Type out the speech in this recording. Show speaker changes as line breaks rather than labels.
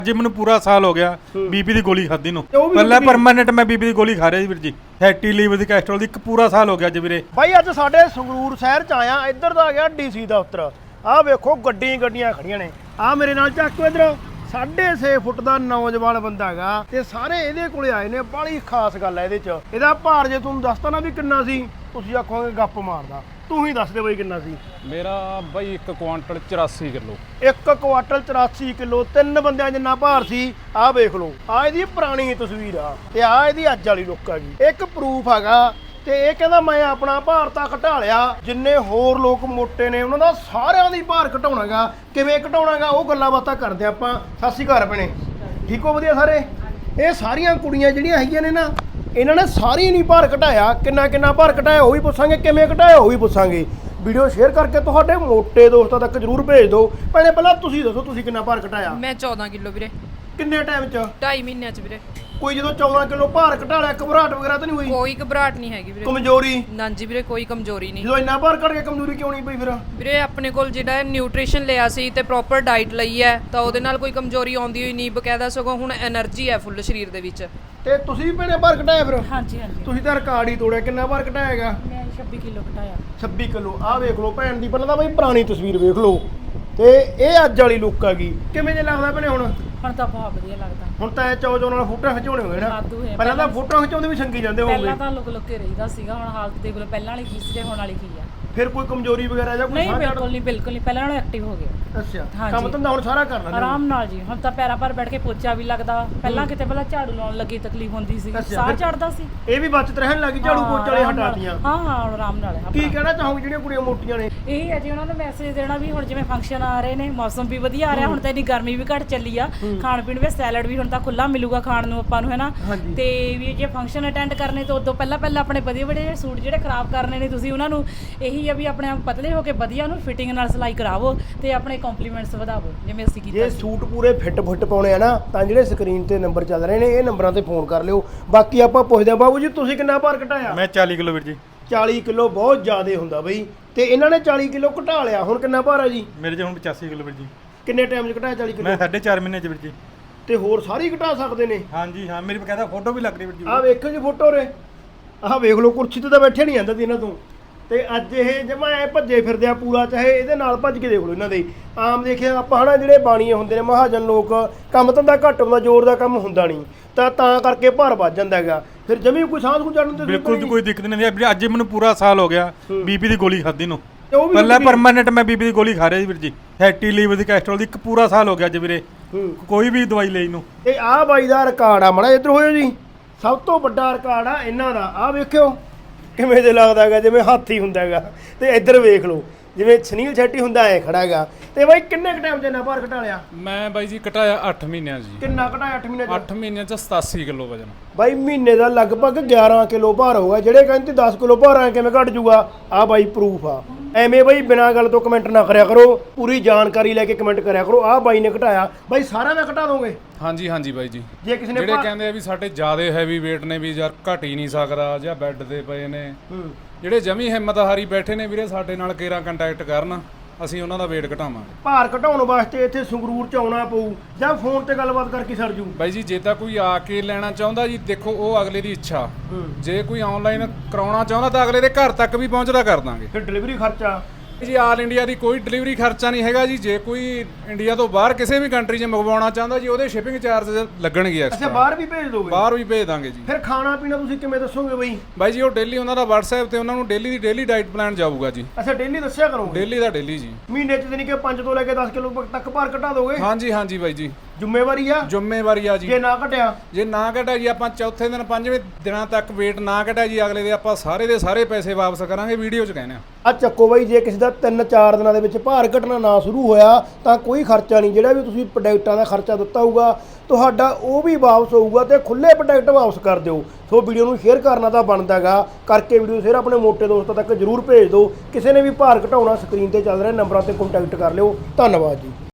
जी मैं पूरा साल हो गया बीपी की गोली खाधी ਨੂੰ ਪਹਿਲਾਂ ਪਰਮਾਨੈਂਟ ਮੈਂ ਬੀਪੀ ਦੀ ਗੋਲੀ ਖਾ ਰਿਹਾ ਸੀ ਵੀਰ ਜੀ ਫੈਟੀ ਲੀਵਰ ਦੀ ਕੈਸਟਰੋਲ ਦੀ ਇੱਕ ਪੂਰਾ ਸਾਲ ਹੋ ਗਿਆ ਜੀ ਵੀਰੇ
ਬਾਈ ਅੱਜ ਸਾਡੇ ਸੰਗਰੂਰ ਸ਼ਹਿਰ ਚ ਆਇਆ ਇੱਧਰ ਦਾ ਆ ਗਿਆ ਡੀਸੀ ਦਫ਼ਤਰ ਆਹ ਵੇਖੋ ਗੱਡੀਆਂ ਖੜੀਆਂ ਨੇ ਆਹ ਮੇਰੇ ਨਾਲ ਚੱਕ ਇੱਧਰ 6.5 ਫੁੱਟ ਦਾ ਨੌਜਵਾਨ ਬੰਦਾ ਹੈਗਾ ਤੇ ਸਾਰੇ ਇਹਦੇ ਕੋਲੇ ਆਏ ਨੇ ਬੜੀ ਖਾਸ ਗੱਲ ਹੈ ਇਹਦੇ ਚ ਇਹਦਾ ਭਾਰ ਜੇ ਤੁਹਾਨੂੰ ਦੱਸਤਾ ਨਾ ਵੀ ਕਿੰਨਾ ਸੀ ਤੁਸੀਂ ਆਖੋਗੇ ਗੱਪ ਮਾਰਦਾ ਤੂੰ ਹੀ ਦੱਸ ਦੇ ਬਾਈ ਕਿੰਨਾ ਸੀ
ਮੇਰਾ ਬਾਈ 1 ਕੁਆਂਟਲ 84 ਕਿਲੋ
1 ਕੁਆਂਟਲ 84 ਕਿਲੋ ਤਿੰਨ ਬੰਦਿਆਂ ਜਿੰਨਾ ਭਾਰ ਸੀ ਆਹ ਵੇਖ ਲਓ ਆਹ ਇਹਦੀ ਪੁਰਾਣੀ ਤਸਵੀਰ ਆ ਤੇ ਆਹ ਇਹਦੀ ਅੱਜ ਵਾਲੀ ਲੁੱਕ ਹੈਗੀ ਇੱਕ ਪ੍ਰੂਫ ਹੈਗਾ ਤੇ ਇਹ ਕਹਿੰਦਾ ਮੈਂ ਆਪਣਾ ਭਾਰ ਤਾਂ ਘਟਾ ਲਿਆ ਜਿੰਨੇ ਹੋਰ ਲੋਕ ਮੋਟੇ ਨੇ ਉਹਨਾਂ ਦਾ ਸਾਰਿਆਂ ਦੀ ਭਾਰ ਘਟਾਉਣਾਗਾ ਕਿਵੇਂ ਘਟਾਉਣਾਗਾ ਉਹ ਗੱਲਾਂ ਬਾਤਾਂ ਕਰਦੇ ਆਪਾਂ ਸਤਿ ਸ਼੍ਰੀ ਅਕਾਲ ਭੈਣੇ ਠੀਕ ਹੋ ਵਧੀਆ ਸਾਰੇ ਇਹ ਸਾਰੀਆਂ ਕੁੜੀਆਂ ਜਿਹੜੀਆਂ ਹੈਗੀਆਂ ਨੇ ਨਾ ਇਹਨਾਂ ਨੇ ਸਾਰੀ ਨਹੀਂ ਭਾਰ ਘਟਾਇਆ ਕਿੰਨਾ ਭਾਰ ਘਟਾਇਆ ਉਹ ਵੀ ਪੁੱਛਾਂਗੇ ਕਿਵੇਂ ਘਟਾਇਆ ਉਹ ਵੀ ਪੁੱਛਾਂਗੇ ਵੀਡੀਓ ਸ਼ੇਅਰ ਕਰਕੇ ਤੁਹਾਡੇ ਮੋਟੇ ਦੋਸਤਾਂ ਤੱਕ ਜਰੂਰ ਭੇਜ ਦਿਓ ਭੈਣੇ ਪਹਿਲਾਂ ਤੁਸੀਂ ਦੱਸੋ ਤੁਸੀਂ ਕਿੰਨਾ ਭਾਰ ਘਟਾਇਆ
ਮੈਂ 14 ਕਿਲੋ ਵੀਰੇ
ਕਿੰਨੇ ਟਾਈਮ 'ਚ
2.5 ਮਹੀਨਿਆਂ ਚ ਵੀਰੇ
ਕੋਈ ਜਦੋਂ 14 ਕਿਲੋ ਭਾਰ ਘਟਾ ਲਿਆ ਘਬਰਾਹਟ ਵਗੈਰਾ ਤਾਂ ਨਹੀਂ ਹੋਈ
ਕੋਈ ਘਬਰਾਹਟ ਨਹੀਂ ਹੈਗੀ ਵੀਰੇ
ਕਮਜ਼ੋਰੀ
ਨਾ ਜੀ ਵੀਰੇ ਕੋਈ ਕਮਜ਼ੋਰੀ ਨਹੀਂ
ਜਦੋਂ ਇੰਨਾ ਭਾਰ ਘਟ ਗਿਆ ਕਮਜ਼ੋਰੀ ਕਿਉਂ ਨਹੀਂ ਪਈ ਫਿਰ
ਵੀਰੇ ਆਪਣੇ ਕੋਲ ਜਿਹੜਾ ਨਿਊਟ੍ਰੀਸ਼ਨ ਲਿਆ ਸੀ ਤੇ ਪ੍ਰੋਪਰ ਡਾਈਟ ਲਈ ਹੈ ਤਾਂ ਉਹਦੇ ਨਾਲ ਕੋਈ ਕਮਜ਼ੋਰੀ ਆਉਂਦੀ ਹੋਈ ਨਹੀਂ ਬਕਾਇਦਾ ਸਗੋਂ ਹੁਣ એનર્ਜੀ ਹੈ ਫੁੱਲ ਸਰੀਰ ਦੇ ਵਿੱਚ
ਤੇ ਤੁਸੀਂ ਵੀ ਭੈਣੇ ਭਾਰ ਘਟਾਇਆ ਫਿਰ
ਹਾਂਜੀ
ਤੁਸੀਂ ਤਾਂ ਰਿਕਾਰਡ ਹੀ ਤੋੜਿਆ ਕਿੰਨਾ ਭਾਰ ਘਟਾਇਆ ਹੈਗਾ
ਮੈਂ 26 ਕਿਲੋ ਘਟਾਇਆ
26 ਕਿਲੋ ਆਹ ਵੇਖ ਲਓ ਭੈਣ ਦੀ ਪਹਿਲਾਂ ਤਾਂ ਬਈ ਪੁਰਾਣੀ ਤਸਵੀਰ ਵੇਖ ਲਓ ਤੇ ਇਹ ਅੱਜ ਵਾਲੀ ਲੁੱਕ ਹੈਗੀ ਕਿਵੇਂ ਜੇ ਲੱਗਦਾ ਭੈਣੇ ਹੁਣ
ਤਾਂ ਬਹੁਤ ਵਧੀਆ ਲੱਗਦਾ
ਹੁਣ ਤਾਂ ਇਹ ਚੌ ਨਾਲ ਫੋਟੋਆਂ ਖਿਚਾਉਣੇ ਹੋਏ ਨਾ
ਵਾਧੂ ਹੈ।
ਪਹਿਲਾਂ ਤਾਂ ਫੋਟੋਆਂ ਖਿਚਾਉਂਦੇ ਵੀ ਸੰਗੀ ਜਾਂਦੇ ਹੋਣਗੇ
ਪਹਿਲਾਂ ਤਾਂ ਲੁਕ ਕੇ ਰਹੀਦਾ ਸੀਗਾ ਹੁਣ ਹਾਲਤ ਦੇਖ ਲਓ ਪਹਿਲਾਂ ਵਾਲੀ ਕੀ ਸੀ ਤੇ ਹੁਣ ਵਾਲੀ ਕੀ ਆ
ਫਿਰ ਕੋਈ ਕਮਜ਼ੋਰੀ ਵਗੈਰਾ ਜਾਂ ਕੋਈ
ਨਹੀਂ
ਸਾਹ
ਬਿਲਕੁਲ ਨਹੀਂ ਪਹਿਲਾਂ ਨਾਲੋਂ ਐਕਟਿਵ ਹੋ ਗਿਆ
ਅੱਛਾ
ਹਾਂਜੀ।
ਕੰਮ ਧੰਦਾ ਹੁਣ ਸਾਰਾ ਕਰ ਲੈਂਦੇ ਹੋ?
ਆਰਾਮ ਨਾਲ ਜੀ ਹੁਣ ਤਾਂ ਪੈਰਾਂ ਪਰ ਬੈਠ ਕੇ ਪੋਚਾ ਵੀ ਲੱਗਦਾ ਪਹਿਲਾਂ ਕਿਤੇ ਪਹਿਲਾਂ ਝਾੜੂ ਲਾਉਣ ਲੱਗੀ ਤਕਲੀਫ ਹੁੰਦੀ ਸੀ
ਅੱਛਾ,
ਸਾਹ
ਫਿਰ-
ਚੜਦਾ ਸੀ
ਇਹ ਵੀ ਬਚਤ ਰਹਿਣ ਲੱਗੀ ਝਾੜੂ ਪੋਚੇ ਵਾਲੇ
ਆਰਾਮ ਨਾਲ।
ਹਟਾਤੀਆਂ
ਹਾਂ ਹੁਣ ਆਰਾਮ ਨਾਲ ਹੈ
ਕੀ ਕਹਿਣਾ ਚਾਹੋਗੇ ਜਿਹੜੀਆਂ ਕੁੜੀਆਂ ਮੋਟੀਆਂ ਨੇ
ਇਹ ਹੈ ਜੀ ਉਹਨਾਂ ਨੂੰ ਮੈਸੇਜ ਦੇਣਾ ਵੀ ਹੁਣ ਜਿਵੇਂ ਫੰਕਸ਼ਨ ਆ ਰਹੇ ਨੇ ਮੌਸਮ ਵੀ ਵਧੀਆ ਆ ਰਿਹਾ ਹੁਣ ਤਾਂ ਇੰਨੀ ਗਰਮੀ ਵੀ ਘਟ ਚੱਲੀ ਆ ਖਾਣ ਪੀਣ ਵੀ ਸੈਲਡ ਵੀ ਹੁਣ ਤਾਂ ਖੁੱਲਾ ਮਿਲੂਗਾ ਖਾਣ ਨੂੰ ਆਪਾਂ ਨੂੰ ਹੈਨਾ
ਹਾਂਜੀ।
ਤੇ ਵੀ ਜੇ ਫੰਕਸ਼ਨ ਅਟੈਂਡ ਕਰਨੇ ਤੋਂ ਉਦੋਂ ਪਹਿਲਾਂ ਆਪਣੇ ਵਧੀਆ ਸੂਟ ਜਿਹੜੇ ਖਰਾਬ ਕਰਨੇ ਨੇ ਤੁਸੀਂ ਉਹਨਾਂ ਨੂੰ ਇਹੀ ਆ ਵੀ ਆਪਣੇ ਆਪ ਪਤਲੇ ਹੋ ਕੇ ਵਧੀਆ ਉਹਨੂੰ ਫਿਟਿੰਗ ਨਾਲ ਸਿਲਾਈ ਕਰਾਵੋ ਤੇ ਆਪਣੇ ਕੰਪਲੀਮੈਂਟਸ ਵਧਾਵੋ ਜਿਵੇਂ ਅਸੀਂ ਕੀਤਾ
ਜੇ ਸੂਟ ਪੂਰੇ ਫਿੱਟ ਪਾਉਣੇ ਆ ਨਾ ਤਾਂ ਜਿਹੜੇ ਸਕਰੀਨ ਤੇ ਨੰਬਰ ਚੱਲ ਰਹੇ ਨੇ ਇਹ ਨੰਬਰਾਂ ਤੇ ਫੋਨ ਕਰ ਲਿਓ ਬਾਕੀ ਆਪਾਂ ਪੁੱਛਦੇ ਆ ਬਾਬੂ ਜੀ ਤੁਸੀਂ ਕਿੰਨਾ ਭਾਰ ਘਟਾਇਆ
ਮੈਂ 40 ਕਿਲੋ ਵੀਰ ਜੀ
40 ਕਿਲੋ ਬਹੁਤ ਜ਼ਿਆਦਾ ਹੁੰਦਾ ਬਈ ਤੇ ਇਹਨਾਂ ਨੇ 40 ਕਿਲੋ ਘਟਾ ਲਿਆ ਹੁਣ ਕਿੰਨਾ ਭਾਰ ਆ ਜੀ
ਮੇਰੇ ਚ ਹੁਣ 85 ਕਿਲੋ ਵੀਰ ਜੀ
ਕਿੰਨੇ ਟਾਈਮ 'ਚ ਘਟਾਇਆ 40 ਕਿਲੋ
ਮੈਂ 4.5 ਮਹੀਨੇ ਚ ਵੀਰ ਜੀ
ਤੇ ਹੋਰ ਸਾਰੇ ਹੀ ਘਟਾ ਸਕਦੇ ਨੇ
ਹਾਂਜੀ ਹਾਂ ਮੇਰੀ ਬਕਾਇਦਾ ਫੋਟੋ ਵੀ ਲੱਗ ਰਹੀ ਵੀਰ ਜੀ
ਆਹ ਵੇਖੋ ਜੀ ਫੋਟੋ ਰੇ ਆਹ ਵੇਖ ਲਓ ਕੁਰਸੀ ਤੇ ਤਾਂ ਬੈਠੇ ਨਹੀਂ ਜਾਂਦਾ ਸੀ ਇਹਨਾਂ ਤੋਂ ਤੇ ਅੱਜ ਇਹ ਜਮਾ ਐ ਭੱਜੇ ਫਿਰਦੇ ਆ ਪੂਰਾ ਚਾਹੇ ਇਹਦੇ ਨਾਲ ਭੱਜ ਕੇ ਦੇਖ ਲਓ ਇਹਨਾਂ ਦੇ ਆਮ ਦੇਖਿਆ ਆਪਾਂ ਹਨਾ ਜਿਹੜੇ ਬਾਣੀਏ ਹੁੰਦੇ ਨੇ ਮਹਾਜਨ ਲੋਕ ਕੰਮ ਧੰਦਾ ਘੱਟ ਹੁੰਦਾ ਜ਼ੋਰ ਦਾ ਕੰਮ ਹੁੰਦਾ ਨਹੀਂ ਤਾਂ ਕਰਕੇ ਭਾਰ ਵੱਜ ਜਾਂਦਾ ਹੈਗਾ ਫਿਰ ਜਮੀ ਕੋਈ ਸਾਹ ਨੂੰ ਚੜਨ ਤੇ
ਬਿਲਕੁਲ ਕੋਈ ਦਿੱਕਤ ਨਹੀਂ ਆਉਂਦੀ ਅੱਜ ਮੈਨੂੰ ਪੂਰਾ ਸਾਲ ਹੋ ਗਿਆ ਬੀਪੀ ਦੀ ਗੋਲੀ ਖਾਧੀ ਨੂੰ
ਉਹ ਵੀ
ਪਹਿਲਾਂ ਪਰਮਾਨੈਂਟ ਮੈਂ ਬੀਪੀ ਦੀ ਗੋਲੀ ਖਾ ਰਿਹਾ ਸੀ ਵੀਰ ਜੀ ਫੈਟੀ ਲੀਵਰ ਦੀ ਕੈਸਟਰੋਲ ਦੀ ਇੱਕ ਪੂਰਾ ਸਾਲ ਹੋ ਗਿਆ ਅੱਜ ਵੀਰੇ ਕੋਈ ਵੀ ਦਵਾਈ ਲਈ ਨੂੰ
ਇਹ ਆਹ ਬਾਈ ਦਾ ਰਿਕਾਰਡ ਆ ਮੜਾ ਇੱਧਰ ਹੋਇਓ ਜੀ ਸਭ ਤੋਂ ਵੱਡਾ ਰਿਕਾਰਡ ਆ ਇਹਨਾਂ ਦਾ ਆਹ ਵੇਖਿਓ ਕਿਵੇਂ ਜੇ ਲੱਗਦਾ ਹੈਗਾ ਜਿਵੇਂ ਹਾਥੀ ਹੁੰਦਾ ਹੈਗਾ ਤੇ ਇੱਧਰ ਵੇਖ ਲਓ ਜਿਵੇਂ ਸੁਨੀਲ ਸ਼ੈਟੀ ਹੁੰਦਾ ਐ ਖੜਾ ਹੈਗਾ ਤੇ ਬਾਈ ਕਿੰਨੇ ਕ ਟਾਈਮ 'ਚ ਇੰਨਾ ਭਾਰ ਘਟਾ ਲਿਆ
ਮੈਂ ਬਾਈ ਜੀ ਘਟਾਇਆ 8 ਮਹੀਨਿਆਂ 'ਚ ਜੀ
ਕਿੰਨਾ ਘਟਾਇਆ 8 ਮਹੀਨੇ 'ਚ
8 ਮਹੀਨਿਆਂ 'ਚ 87 ਕਿਲੋ ਵਜਨ
ਬਾਈ ਮਹੀਨੇ ਦਾ ਲਗਭਗ 11 ਕਿਲੋ ਭਾਰ ਹੋਊਗਾ ਜਿਹੜੇ ਕਹਿੰਦੇ 10 ਕਿਲੋ ਭਾਰ ਐ ਕਿਵੇਂ ਘਟ ਜੂਗਾ ਆ ਬਾਈ ਪ੍ਰੂਫ ਆ ਐਵੇਂ ਬਾਈ ਬਿਨਾਂ ਗੱਲ ਤੋਂ ਕਮੈਂਟ ਨਾ ਕਰਿਆ ਕਰੋ ਪੂਰੀ ਜਾਣਕਾਰੀ ਲੈ ਕੇ ਕਮੈਂਟ ਕਰਿਆ ਕਰੋ ਆ ਬਾਈ ਨੇ ਘਟਾਇਆ ਬਾਈ ਸਾਰਿਆਂ ਦਾ ਘਟਾ ਦੋਗੇ
ਹਾਂਜੀ ਬਾਈ ਜੀ
ਜੇ ਕਿਸੇ ਨੇ
ਜਿਹੜੇ ਕਹਿੰਦੇ ਆ ਵੀ ਸਾਡੇ ਜ਼ਿਆਦੇ ਹੈਵੀ weight ਨੇ ਵੀ ਯਾਰ ਘਟ ਹੀ ਨਹੀਂ ਸਕਦਾ ਜਾਂ ਬੈੱਡ ਤੇ ਪਏ ਨੇ ਜਿਹੜੇ ਜਮੀ ਹਿੰਮਤ ਹਾਰੀ ਬੈਠੇ ਨੇ ਵੀਰੇ ਸਾਡੇ ਨਾਲ ਕੇਰਾ ਕੰਟੈਕਟ ਕਰਨ ਅਸੀਂ ਉਹਨਾਂ ਦਾ weight ਘਟਾਵਾਂਗੇ
ਭਾਰ ਘਟਾਉਣ ਵਾਸਤੇ ਇੱਥੇ ਸੰਗਰੂਰ ਚ ਆਉਣਾ ਪਊ ਜਾਂ ਫੋਨ ਤੇ ਗੱਲਬਾਤ ਕਰਕੇ ਸਰ ਜੂ
ਬਾਈ ਜੀ ਜੇ ਤਾਂ ਕੋਈ ਆ ਕੇ ਲੈਣਾ ਚਾਹੁੰਦਾ ਜੀ ਦੇਖੋ ਉਹ ਅਗਲੇ ਦੀ ਇੱਛਾ ਜੇ ਕੋਈ ਆਨਲਾਈਨ ਕਰਾਉਣਾ ਚਾਹੁੰਦਾ ਤਾਂ ਅਗਲੇ ਦੇ ਘਰ ਤੱਕ ਵੀ ਪਹੁੰਚਦਾ ਕਰ ਦਾਂਗੇ
ਫਿਰ ਡਿਲੀਵਰੀ ਖਰਚਾ
ਜੀ ਆਲ ਇੰਡੀਆ ਦੀ ਕੋਈ ਡਿਲੀਵਰੀ ਖਰਚਾ ਨਹੀਂ ਹੈਗਾ ਜੀ ਜੇ ਕੋਈ ਇੰਡੀਆ ਤੋਂ ਬਾਹਰ ਕਿਸੇ ਵੀ ਕੰਟਰੀ 'ਚ ਮੰਗਵਾਉਣਾ ਚਾਹੁੰਦਾ ਜੀ ਉਹਦੇ ਸ਼ਿਪਿੰਗ ਚਾਰਜ ਲੱਗਣਗੇ
ਅੱਛਾ
ਐਕਸਟਰਾ
ਬਾਹਰ ਵੀ ਭੇਜ ਦੋਗੇ
ਬਾਹਰ ਵੀ ਭੇਜ ਦਾਂਗੇ ਜੀ
ਫਿਰ ਖਾਣਾ ਪੀਣਾ ਤੁਸੀਂ ਕਿਵੇਂ ਦੱਸੋਗੇ ਬਈ
ਬਾਈ ਜੀ ਉਹ ਡੇਲੀ ਉਹਨਾਂ ਦਾ WhatsApp ਤੇ ਉਹਨਾਂ ਨੂੰ ਡੇਲੀ ਦੀ ਡੇਲੀ ਡਾਈਟ ਪਲਾਨ ਜਾਊਗਾ ਜੀ
ਅੱਛਾ ਡੇਲੀ ਦੱਸਿਆ ਕਰੋਗੇ
ਡੇਲੀ ਦਾ ਡੇਲੀ ਜੀ
ਮਹੀਨੇ ਚ ਨਹੀਂ ਕਿ 5 ਤੋਂ ਲੈ ਕੇ 10 ਕਿਲੋ ਤੱਕ ਭਾਰ ਘਟਾ ਦੋਗੇ
ਹਾਂਜੀ ਬਾਈ ਜੀ
ਜ਼ਿੰਮੇਵਾਰੀ ਆ
ਜ਼ਿੰਮੇਵਾਰੀ ਆ ਜੀ
ਜੇ ਨਾ ਘਟਿਆ
ਜੇ ਨਾ ਘਟਿਆ ਜੀ ਆਪਾਂ ਚੌਥੇ ਦਿਨ ਪੰਜਵੇਂ ਦਿਨਾਂ ਤੱਕ weight ਨਾ ਘਟਿਆ ਜੀ ਅਗਲੇ ਦੇ ਆਪਾਂ ਸਾਰੇ ਦੇ ਸਾਰੇ ਪੈਸੇ ਵਾਪਸ ਕਰਾਂਗੇ ਵੀਡੀਓ 'ਚ ਕਹਿੰਦੇ
ਆ ਚੱਕੋ ਬਾਈ ਜੇ ਕਿਸੇ ਦਾ 3-4 ਦਿਨਾਂ ਦੇ ਵਿੱਚ ਭਾਰ ਘਟਣਾ ਨਾ ਸ਼ੁਰੂ ਹੋਇਆ ਤਾਂ ਕੋਈ ਖਰਚਾ ਨਹੀਂ ਜਿਹੜਾ ਵੀ ਤੁਸੀਂ ਪ੍ਰੋਡਕਟਾਂ ਦਾ ਖਰਚਾ ਦਿੱਤਾ ਹੋਊਗਾ ਤੁਹਾਡਾ ਉਹ ਵੀ ਵਾਪਸ ਹੋਊਗਾ ਤੇ ਖੁੱਲੇ ਪ੍ਰੋਡਕਟ ਵਾਪਸ ਕਰ ਦਿਓ ਸੋ ਵੀਡੀਓ ਨੂੰ ਸ਼ੇਅਰ ਕਰਨਾ ਤਾਂ ਬਣਦਾ ਹੈਗਾ ਕਰਕੇ ਵੀਡੀਓ ਸ਼ੇਅਰ ਆਪਣੇ ਮੋਟੇ ਦੋਸਤਾਂ ਤੱਕ ਜਰੂਰ ਭੇਜ ਦਿਓ ਕਿਸੇ ਨੇ ਵੀ ਭਾਰ ਘਟਾਉਣਾ ਸਕਰੀਨ ਤੇ ਚੱਲ ਰਹੇ ਨੰਬਰਾਂ ਤੇ ਕੰਟੈਕਟ ਕਰ ਲਿਓ ਧੰਨਵਾਦ ਜੀ।